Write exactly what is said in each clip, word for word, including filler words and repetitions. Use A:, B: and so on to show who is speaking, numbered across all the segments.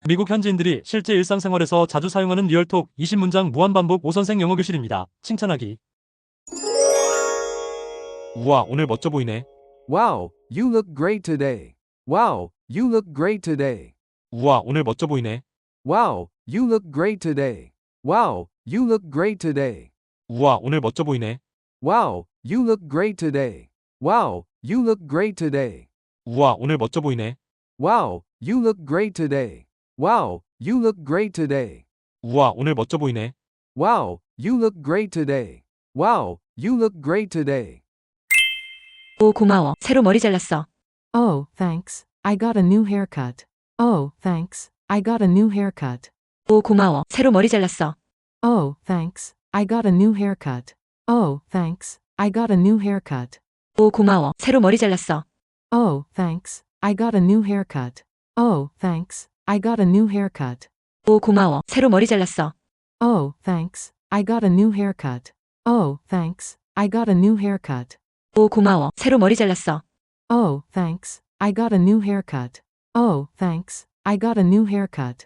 A: 미국 현지인들이 실제 일상생활에서 자주 사용하는 리얼톡 이십 문장 무한반복 오선생 영어 교실입니다. 칭찬하기. 우와, 오늘 멋져 보이네.
B: Wow, you look great today. Wow, you look great today.
A: 우와, 오늘 멋져 보이네.
B: Wow, you look great today. Wow, you look great today.
A: 우와, 오늘 멋져 보이네.
B: Wow, you look great today. Wow, you look great today.
A: 우와, 오늘 멋져 보이네.
B: Wow, you look great today. Wow, you look great today.
A: 우와, 오늘 멋져 보이네.
B: Wow, you look great today. Wow, you look great today.
C: 오, 고마워. 새로 머리 잘랐어.
D: Oh, thanks. I got a new haircut. Oh, thanks. I got a new haircut.
C: 오, 고마워. 새로 머리 잘랐어.
D: Oh, thanks. I got a new haircut. Oh, thanks. I got a new haircut.
C: 오, 고마워. 새로 머리 잘랐어.
D: Oh, thanks. I got a new haircut. Oh, thanks. I got a new haircut.
C: 오, 고마워. 새로 머리 잘랐어.
D: Oh, thanks. I got a new haircut. Oh, thanks. I got a new haircut.
C: 오, 고마워. 새로 머리 잘랐어.
D: Oh, thanks. I got a new haircut. Oh, thanks. I got a new haircut.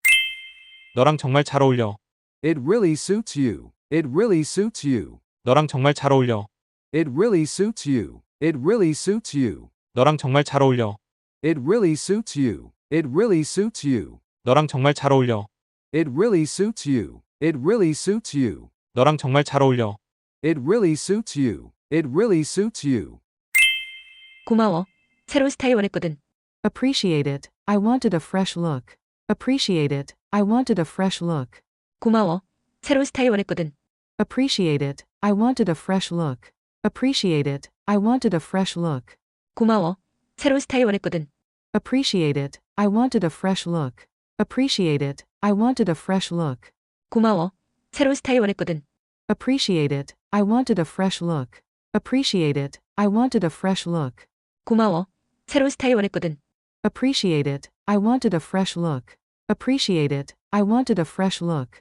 A: 너랑 정말 잘 어울려.
B: It really suits you. It really suits you.
A: 너랑 정말 잘 어울려.
B: It really suits you. It really suits you.
A: 너랑 정말 잘 어울려.
B: It really suits you. It really suits you.
A: 너랑 정말 잘 어울려.
B: It really suits you. It really suits you.
A: 너랑 정말 잘 어울려.
B: It really suits you. It really suits you.
C: 고마워. 새로운 스타일 원했거든.
D: Appreciate it. I wanted a fresh look. Appreciate it. I wanted a fresh look.
C: 고마워. 새로운 스타일 원했거든.
D: Appreciate it. I wanted a fresh look. Appreciate it. I wanted a fresh look.
C: 고마워. 새로운 스타일 원했거든.
D: Appreciate it. I wanted a fresh look. Appreciate it. I wanted a fresh look.
C: 고마워. 새로운 스타일 원했거든.
D: Appreciate it. I wanted a fresh look. Appreciate it. I wanted a fresh look.
C: 고마워. 새로운 스타일 원했거든.
D: Appreciate it. I wanted a fresh look. Appreciate it. I wanted a fresh look.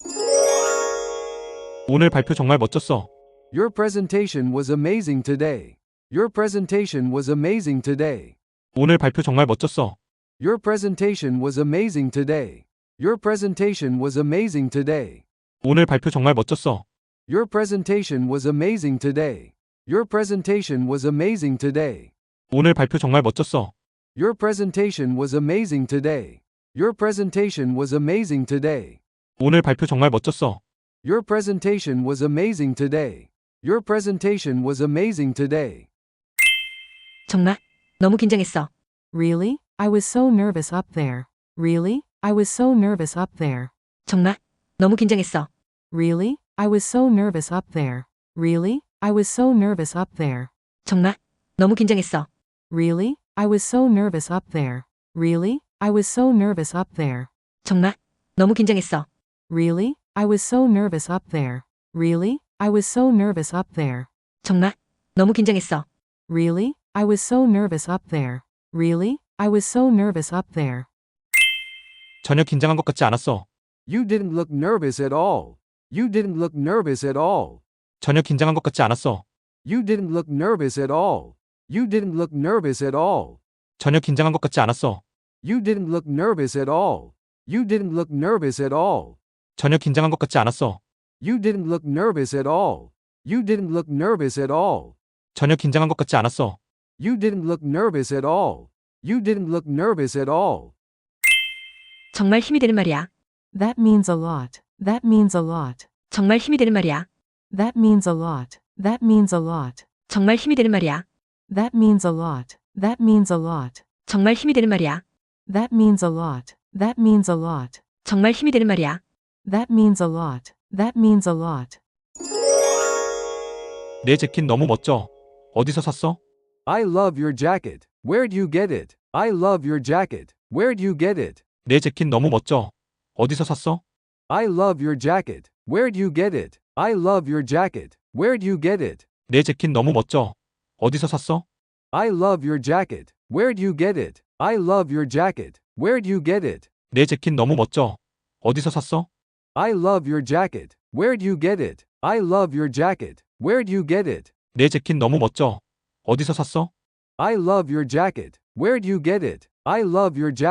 A: 오늘 발표 정말 멋졌어.
B: Your presentation was amazing today. Your presentation was amazing today.
A: 오늘 발표 정말 멋졌어.
B: Your presentation was amazing today. Your presentation was amazing today.
A: 오늘 발표 정말 멋졌어.
B: Your presentation was amazing today. Your presentation was amazing today.
A: 오늘 발표 정말 멋졌어.
B: Your presentation was amazing today. Your presentation was amazing today.
A: 오늘 발표 정말 멋졌어.
B: Your presentation was amazing today. Your presentation was amazing today.
C: 정말? 너무 긴장했어.
D: Really? I was so nervous up there. Really? I was so nervous up there.
C: 정말? 너무 긴장했어.
D: Really? I was so nervous up there. Really? I was so nervous up there.
C: 정말? 너무 긴장했어.
D: Really? I was so nervous up there. Really? I was so nervous up there.
C: 정말? 너무 긴장했어.
D: Really? I was so nervous up there. Really? I was so nervous up there.
C: 정말? 너무 긴장했어.
D: Really? I was so nervous up there. Really? I was so nervous up there.
A: 전혀 긴장한 것 같지 않았어.
B: You didn't look nervous at all. You didn't look nervous at all.
A: 전혀 긴장한 것 같지 않았어.
B: You didn't look nervous at all. You didn't look nervous at all.
A: 전혀 긴장한 것 같지 않았어.
B: You didn't look nervous at all. You didn't look nervous at all.
A: 전혀 긴장한 것 같지 않았어.
B: You didn't look nervous at all. You didn't look nervous at all.
A: 전혀 긴장한 것 같지 않았어.
B: You didn't look nervous at all. You didn't look nervous at all.
C: 정말 힘이 되는 말이야.
D: That means a lot. That means a lot.
C: 정말 힘이 되는 말이야.
D: That means a lot. That means a lot.
C: 정말 힘이 되는 말이야.
D: That means a lot. That means a lot.
C: 정말 힘이 되는 말이야.
D: That means a lot. That means a lot.
C: 정말 힘이 되는 말이야.
D: That means a lot. That means a lot.
A: 내 재킷 너무 멋져. 어디서 샀어?
B: I love your jacket. Where'd you get it? I love your jacket. Where'd you get it?
A: 내 재킷 너무 멋져. 어디서 샀어?
B: I love your jacket. Where'd you get it? I love your jacket. Where'd you get it?
A: 내 재킷 너무 멋져. 어디서 샀어?
B: I love your jacket. Where'd you get it? I love your jacket. Where'd you get it?
A: 내 재킷 너무 멋져. 어디서 샀어?
B: I love your jacket. Where'd you get it? I love your jacket. Where'd you get it?
A: 내 재킷 너무 멋져. 어디서 샀어?
B: I love your jacket. Where'd you get it? I love your jacket.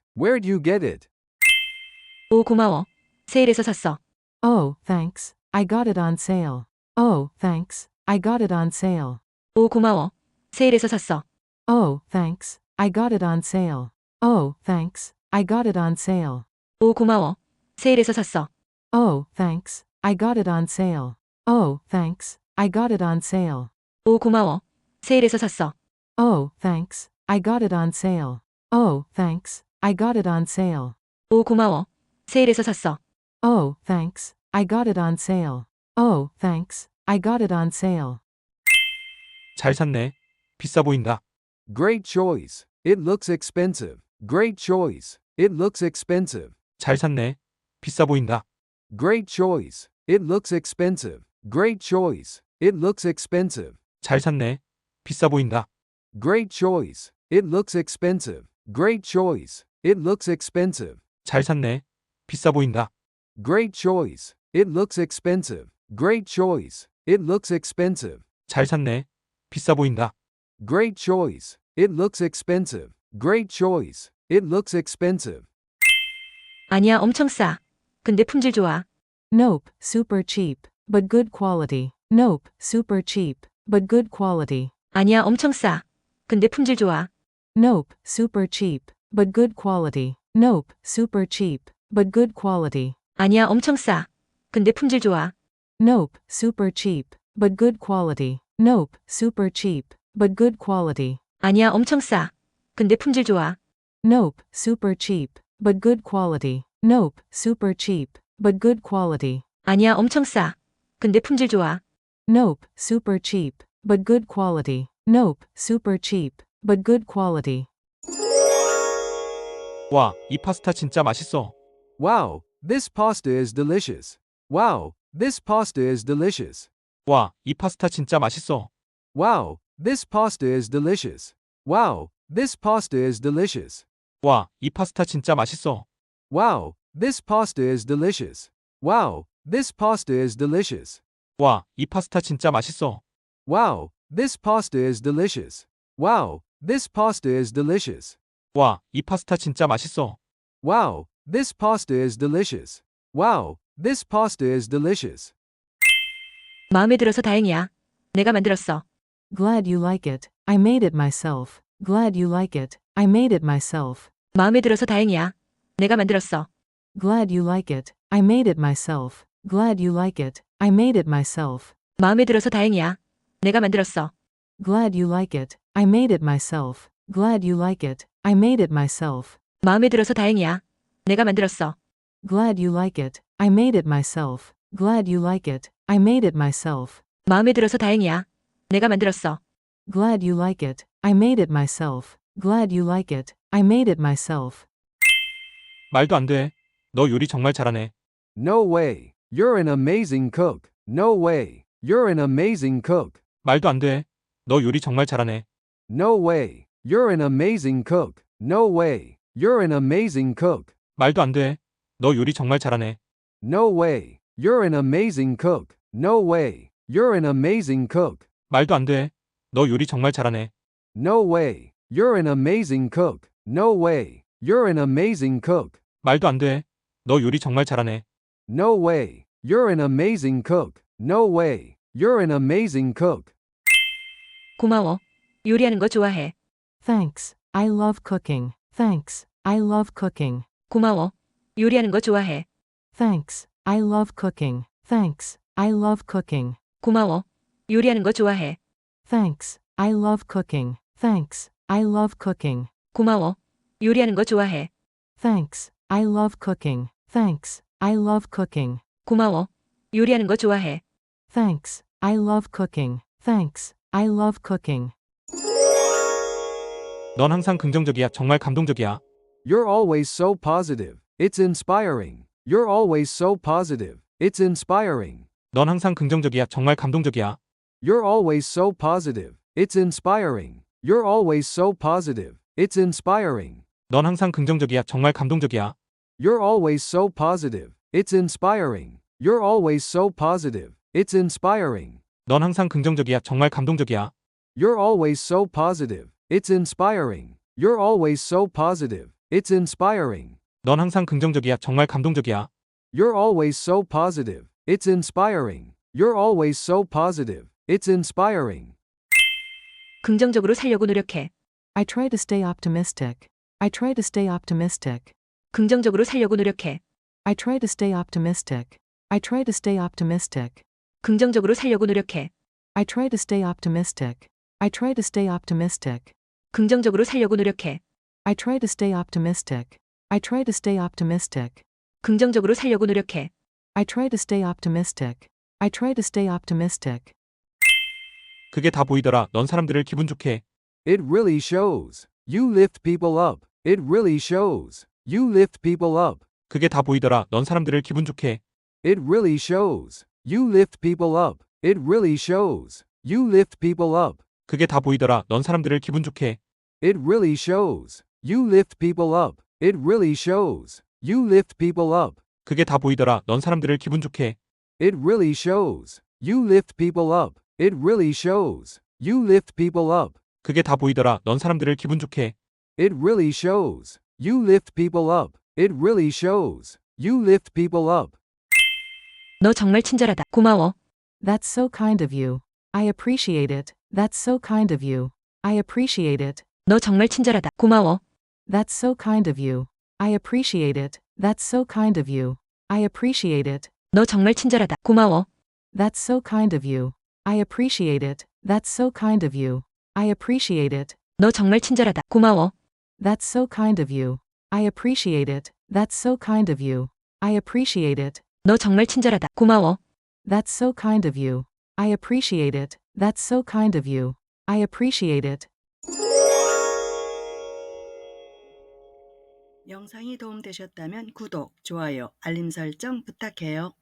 B: Where'd you get it?
C: 오, 고마워. 세일해서 샀어.
D: Oh, thanks. I got it on sale. Oh, thanks. I got it on sale.
C: 오, 고마워. 세일해서 샀어.
D: Oh, thanks. I got it on sale. Oh, thanks. I got it on sale.
C: 오, 고마워. 세일해서 샀어.
D: Oh, thanks. I got it on sale. Oh, thanks. I got it on sale.
C: 오, 고마워. 세일해서 샀어.
D: Oh, thanks. I got it on sale. Oh, thanks. I got it on sale.
C: 오, 고마워. 세일해서 샀어.
D: Oh, thanks. I got it on sale. Oh, thanks. I got it on sale.
A: 잘 샀네. 비싸 보인다.
B: Great choice. It looks expensive. Great choice. It looks expensive.
A: 잘 샀네. 비싸 보인다.
B: Great choice. It looks expensive. Great choice. It looks expensive.
A: 잘 샀네. 비싸 보인다.
B: Great choice. It looks expensive. Great choice. It looks expensive.
A: 잘 샀네. 비싸 보인다.
B: Great choice. It looks expensive. Great choice. It looks expensive.
A: 잘 샀네. 비싸 보인다.
B: Great choice. It looks expensive. Great choice. It looks expensive.
C: 아니야, 엄청 싸. 근데 품질 좋아.
D: Nope, super cheap, but good quality. Nope, super cheap, but good quality.
C: 아니야, 엄청 싸. 근데 품질 좋아.
D: Nope, super cheap, but good quality. Nope, super cheap, but good quality.
C: 아니야, 엄청 싸. 근데 품질 좋아.
D: Nope, super cheap, but good quality. Nope, super cheap, but good quality.
C: 아니야, 엄청 싸. 근데 품질 좋아.
D: Nope, super cheap, but good quality. Nope, super cheap, but good quality.
C: 아니야, 엄청 싸. 근데 품질 좋아.
D: Nope, super cheap, but good quality. Nope, super cheap, but good quality.
A: 와, 이 파스타 진짜 맛있어.
B: Wow, this pasta is delicious. Wow, this pasta is delicious.
A: 와, 이 파스타 진짜 맛있어.
B: Wow, this pasta is delicious. Wow, this pasta is delicious.
A: 와, 이 파스타 진짜 맛있어.
B: Wow, this pasta is delicious. Wow, this pasta is delicious.
A: 와, 이 파스타 진짜 맛있어.
B: Wow, this pasta is delicious. Wow, this pasta is delicious.
A: 와, 이 파스타 진짜 맛있어.
B: Wow, this pasta is delicious. Wow, this pasta is delicious.
C: 마음에 들어서 다행이야. 내가 만들었어.
D: Glad you like it. I made it myself. Glad you like it. I made it myself.
C: 마음에 들어서 다행이야. 내가 만들었어.
D: Glad you like it. I made it myself. Glad you like it. I made it myself.
C: 마음에 들어서 다행이야. 내가 만들었어.
D: Glad you like it. I made it myself. Glad you like it. I made it myself.
C: 마음에 들어서 다행이야. 내가 만들었어.
D: Glad you like it. I made it myself. Glad you like it. I made it myself.
C: 마음에 들어서 다행이야. 내가 만들었어.
D: Glad you like it. I made it myself. Glad you like it. I made it myself.
A: 말도 안 돼. 너 요리 정말 잘하네.
B: No way. You're an amazing cook. No way. You're an amazing cook.
A: 말도 안 돼. 너 요리 정말 잘하네.
B: No way. You're an amazing cook. No way. You're an amazing cook.
A: 말도 안 돼. 너 요리 정말 잘하네.
B: No way. You're an amazing cook. No way. You're an amazing cook.
A: 말도 안 돼. 너 요리 정말 잘하네.
B: No way. You're an amazing cook. No way. You're an amazing cook.
A: 말도 안 돼. 너 요리 정말 잘하네.
B: No way. You're an amazing cook. No way. You're an amazing cook.
C: 고마워. 요리하는 거 좋아해.
D: Thanks. I love cooking. Thanks. I love cooking.
C: 고마워. 요리하는 거 좋아해.
D: Thanks. I love cooking. Thanks. I love cooking.
C: 고마워. 요리하는 거 좋아해.
D: Thanks. I love cooking. Thanks. I love cooking.
C: 고마워. 요리하는 거 좋아해.
D: Thanks. I love cooking. Thanks. I love cooking.
C: 고마워. 요리하는 거 좋아해.
D: Thanks. I love cooking. Thanks. I love cooking.
A: 넌 항상 긍정적이야. 정말 감동적이야.
B: You're always so positive. It's inspiring. You're always so positive. It's inspiring.
A: 넌 항상 긍정적이야. 정말 감동적이야.
B: You're always so positive. It's inspiring. You're always so positive. It's inspiring.
A: 넌 항상 긍정적이야. 정말 감동적이야.
B: You're always so positive. It's inspiring. You're always so positive. It's inspiring.
A: 넌 항상 긍정적이야. 정말 감동적이야.
B: You're always so positive. It's inspiring. You're always so positive. It's inspiring.
E: 넌 항상 긍정적이야. 정말 감동적이야.
B: You're always so positive. It's inspiring. You're always so positive. It's inspiring.
C: 긍정적으로 살려고 노력해.
D: I try to stay optimistic. I try to stay optimistic.
C: 긍정적으로 살려고 노력해.
D: I try to stay optimistic. I try to stay optimistic.
C: 긍정적으로 살려고 노력해.
D: I try to stay optimistic. I try to stay optimistic.
C: 긍정적으로 살려고 노력해.
D: I try to stay optimistic. I try to stay optimistic.
C: 긍정적으로 살려고 노력해.
D: I try to stay optimistic. I try to stay optimistic.
E: 그게 다 보이더라. 넌 사람들을 기분 좋게 해.
B: It really shows. You lift people up. It really shows. You lift people up.
E: 그게 다 보이더라. 넌 사람들을 기분 좋게 해.
B: It really shows. You lift people up. It really shows. You lift people up.
E: 그게 다 보이더라. 넌 사람들을 기분 좋게 해.
B: It really shows. You lift people up. It really shows. You lift people up.
E: 그게 다 보이더라. 넌 사람들을 기분 좋게 해.
B: It really shows. You lift people up. It really shows. You lift people up.
E: 그게 다 보이더라. 넌 사람들을 기분 좋게 해.
B: It really shows. You lift people up. It really shows. You lift people up.
C: 너 정말 친절하다. 고마워.
D: That's so kind of you. I appreciate it. That's so kind of you. I appreciate it.
C: 너 정말 친절하다. 고마워.
D: That's so kind of you. I appreciate it. That's so kind of you. I appreciate it.
C: 너 정말 친절하다. 고마워.
D: That's so kind of you. I appreciate it. That's so kind of you. I appreciate it.
C: 너 정말 친절하다. 고마워.
D: That's so kind of you. I appreciate it. That's so kind of you. I appreciate it.
C: 너 정말 친절하다. 고마워.
D: That's so kind of you. I appreciate it. That's so kind of you. I appreciate it.
F: 영상이 도움되셨다면 구독, 좋아요, 알림 설정 부탁해요.